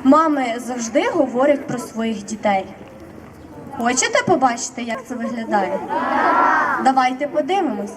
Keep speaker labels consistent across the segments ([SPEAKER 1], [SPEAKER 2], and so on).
[SPEAKER 1] Мами завжди говорять про своїх дітей. Хочете побачити, як це виглядає? Давайте подивимось.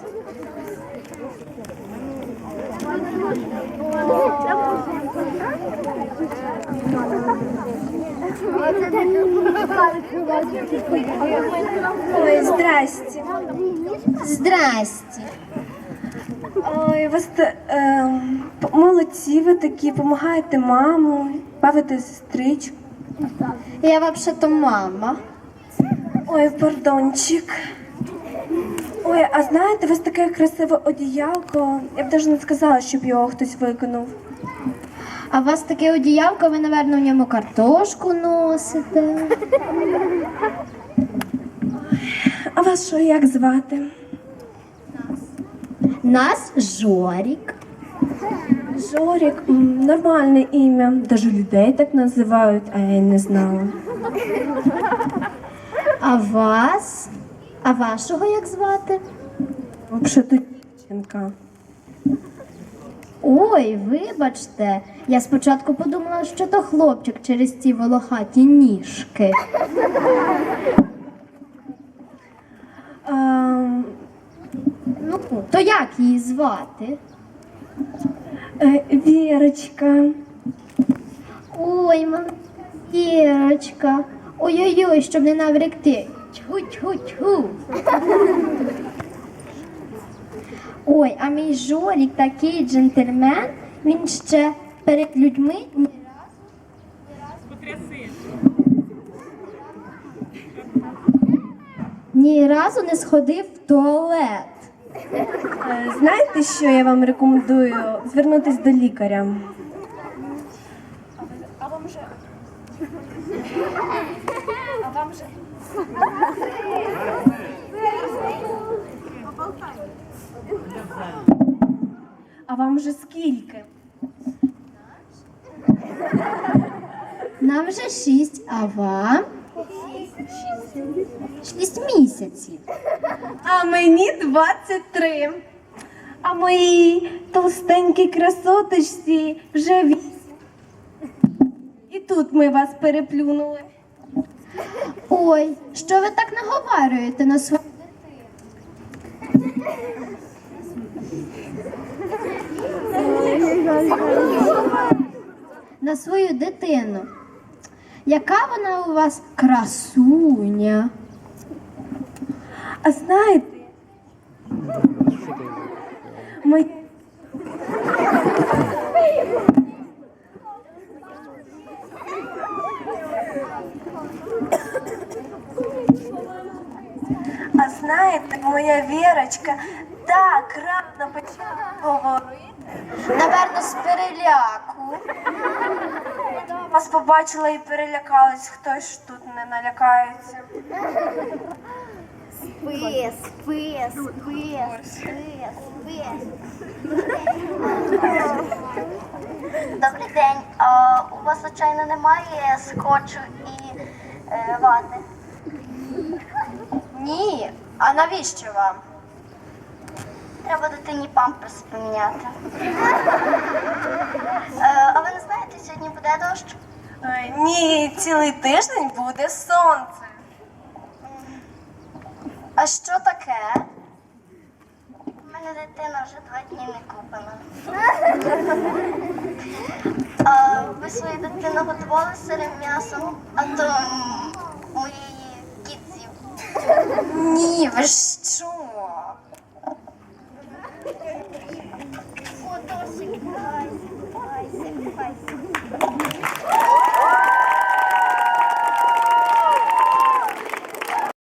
[SPEAKER 1] Ой, здрасте.
[SPEAKER 2] Здрасте.
[SPEAKER 1] Ой, молодці ви такі, допомагаєте маму, бавите сестричку.
[SPEAKER 2] Я вообще-то мама.
[SPEAKER 1] Ой, пардончик. Ой, а знаєте, у вас таке красиве одіялко. Я б навіть не сказала, щоб його хтось виконав.
[SPEAKER 2] А у вас таке одіялко, ви, напевно, в ньому картошку носите.
[SPEAKER 1] А вас що, як звати?
[SPEAKER 2] Нас Жорік.
[SPEAKER 1] Жорік, нормальне ім'я. Даже людей так називають, а я й не знала.
[SPEAKER 2] А вас? А вашого як звати?
[SPEAKER 1] Взагалі-то дівчинка.
[SPEAKER 2] Ой, вибачте. Я спочатку подумала, що то хлопчик через ці волохаті ніжки. Ну, то як її звати?
[SPEAKER 1] Вірочка.
[SPEAKER 2] Ой, Вірочка. Ой-ой-ой, щоб не навректи. Тьху-тьху-тьху. Ой, а мій Жорік такий джентльмен, він ще перед людьми ні разу не сходив в туалет.
[SPEAKER 1] Знаєте, що я вам рекомендую? Звернутися до лікаря. А вам вже скільки?
[SPEAKER 2] Нам вже 6, а вам? 6 місяців.
[SPEAKER 1] А мені 23. А моїй толстенькій красоточці вже 8. І тут ми вас переплюнули.
[SPEAKER 2] Ой, що ви так наговарюєте на свою на свою дитину? Яка вона у вас красуня?
[SPEAKER 1] А знаєте, мої... А знаєте, моя Вірочка так рано почала говорити.
[SPEAKER 2] Наверно, з переляку.
[SPEAKER 1] Вас побачила і перелякалась, хтось ж тут не налякається.
[SPEAKER 3] Спис, спис, спис, спис, спис. Добрий день. А у вас, звичайно, немає скотчу і вати?
[SPEAKER 2] Ні, а навіщо вам?
[SPEAKER 3] Треба дитині памперс поміняти. А ви не знаєте, сьогодні буде дощ?
[SPEAKER 1] Ні, цілий тиждень буде сонце.
[SPEAKER 2] А що таке?
[SPEAKER 3] У мене дитина вже 2 дні не купана. А ви свою дитину готували з сирим м'ясом, а то моєї кіт з'їв.
[SPEAKER 2] Ні, ви що?
[SPEAKER 3] О, Тосик, гайся, гайся, гайся.